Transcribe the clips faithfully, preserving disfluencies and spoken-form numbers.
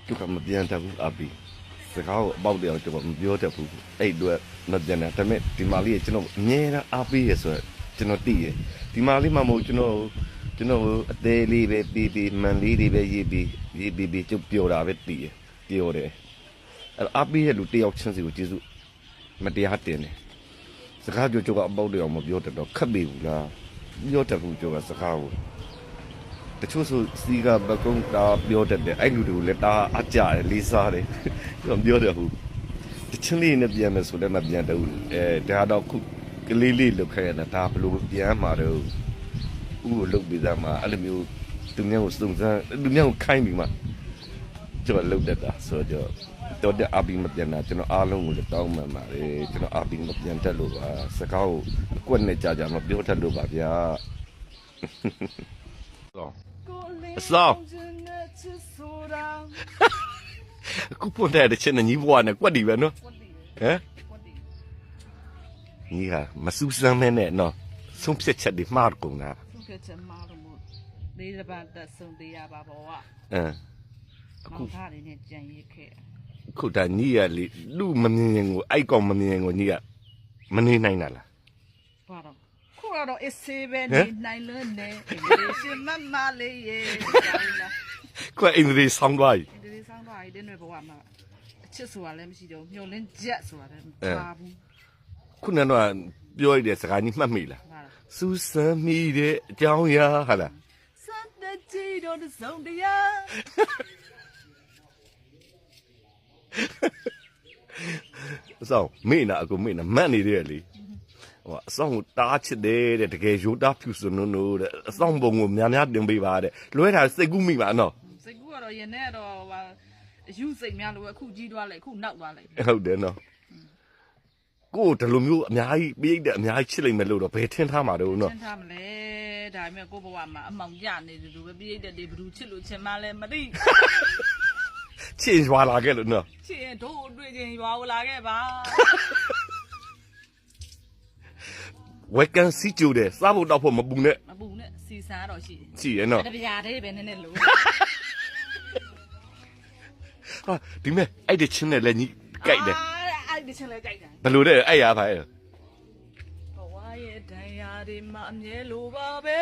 သူကမပြန်တတ်ဘူးအပီစကားကိုအပေါက်တရားကျွန်တော်မပြောတတ်ဘူးအဲ့အတွက်မပြန်တာဒါပေမဲ့ဒီမာလေးကကျွန်တော်အမြဲတမ်းအားပေးရဆိုတော့ကျွန်တော်သိရဒီမာလေးမှမဟုတ်ကျွန်တော်ကျွန်တော်အသေးလေးပဲပြီးပြီးမန်လေးတွေပဲရေးပြီးရေးပြီးပြီးကျုပ်ပြောတာပဲသိရပြောတယ်အဲ့အားပေးရလူတယောက်ချင်းစီကိုကျေးဇူးမတရားတင်တယ်စကားပြောကျုပ်ကအပေါက်တရားမပြောတတ်တော့ခက်ပြီဘူးလားပြောတတ်ဘူးကျုပ်ကစကားကိုတချို့ဆိုစီကဘကုန်းတာပြောတတ်တယ်အဲ့လူတွေကိုလည်းတာအကြတယ်လေးစားတယ်ပြောပြောတယ်ဟုတ်တချင်းလေးနဲ့ပြန်မယ်ဆိုလည်းမပြန်တော့ဘူးအဲဒါတော့ခုကလေးလေးလုတ်ခဲ့ရတာဒါဘလို့ပြန်မှာတော့ဥကိုလုတ်ပြီးသားမှာအဲ့လိုမျိုးသူများကိုစုံစမ်းသူများကိုခိုင်းပြီးမှကျွန်တော်လုတ်တတ်တာဆိုတော့တော်တဲ့အပီမပြန်တာကျွန်တော်အားလုံးကိုလည်းတောင်းပန်ပါတယ်ကျွန်တော်အပီမပြန်တတ်လို့ပါစကားကိုအကွက်နဲ့ကြာကြာမပြောတတ်လို့ပါဗျာအစောအခုပွန်တဲ့ချင်းညီဘွားနဲ့ကွက်တီပဲနော်ဟမ်ညီကမစူးစမ်းမဲနဲ့နော်ဆုံးဖြတ်ချက်တွေမှားကုန်တာဆုံးဖြတ်ချက်မှားလို့မို့လေးတစ်ပတ်သက်ဆုံးသေးရပါဘောကအင်းအခုထားနေနဲ့ကြံရစ်ခဲ့ခုတည်းညီရလေလူမမြင်ရင်ကိုအိုက်ကောင်မမြင်ရင်ကိုညီကမနေနိုင်တာလားဘာတော့ခုကတော့အစ်စေးပဲနေနိုင်လို့နေအင်္ဂလိပ်ရှင်မမလေးရေကွအင်္ဂလိပ်ဆောင်းသွားပြီအင်္ဂလိပ်ဆောင်းသွားပြီတင်းတွေဘဝမှာအချစ်ဆိုတာလည်းမရှိတော့မျောလင်းချက်ဆိုတာလည်းမပါဘူးခုနကတော့ပြောရတဲ့စကားကြီးမှတ်မိလားစူးစမ်းမိတဲ့အကြောင်းအရာဟာလားစံတကြီးတို့စုံတရားအဆောင်မေ့နာအကူမေ့နာမတ်နေတယ်လေဟိုအဆောင်ကိုတားချစ်တယ်တဲ့တကယ်ရိုးသားဖြူစနိုးနိုးတဲ့အဆောင်ပုံကိုများများတင်ပေးပါတဲ့လွဲတာစိတ်ကူးမိပါနော်စိတ်ကူးကတော့ယနေ့တော့ဟိုအယူစိတ်များလို့အခုကြီးသွားလိုက်အခုနောက်သွားလိုက်ဟုတ်တယ်နော်ကိုယ်ဒီလိုမျိုးအများကြီးပြိတ်တဲ့အများကြီးချစ်လိုက်မယ်လို့တော့ဘယ်ထင်ထားမှာတော့နော်ထင်ထားမလဲဒါပေမဲ့ကိုယ့်ဘဝမှာအမောင်ကြနေတယ်လို့ပဲပြိတ်တဲ့တွေဘယ်သူချစ်လို့ချင်မှလဲမသိချစ်ရွာလာခဲ့လို့နော်ချစ်ရင်တို့အတွေ့ချင်းရွာလာခဲ့ပါဝက်ကန်စီကျိုတယ်စားဖို့တောက်ဖို့မပူနဲ့မပူနဲ့စီစားတော့ရှိတယ်ရှိရနော်တပြားတည်းပဲနည်းနည်းလို့ဟာဒီမဲ့အဲ့ဒီချင်းနဲ့လည်းညီကြိုက်တယ်အဲ့ဒီချင်းလည်းကြိုက်တယ်ဘယ်လိုလဲအဲ့ရပါရဲ့ဘဝရဲ့ဒဏ်ရာတွေမှာအမြဲလိုပါပဲ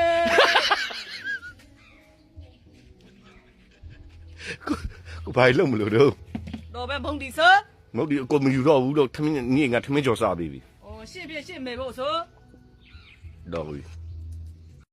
ကိုဘာလို့မလို့တော့တော့ပဲဘုံဒီဆိုမဟုတ်ဒီအကိုမယူတော့ဘူးတော့ထမင်းညီငါထမင်းကြော်စားပြီးပြီဩရှင့်ပြရှင့်မေဖို့ဆိုတော့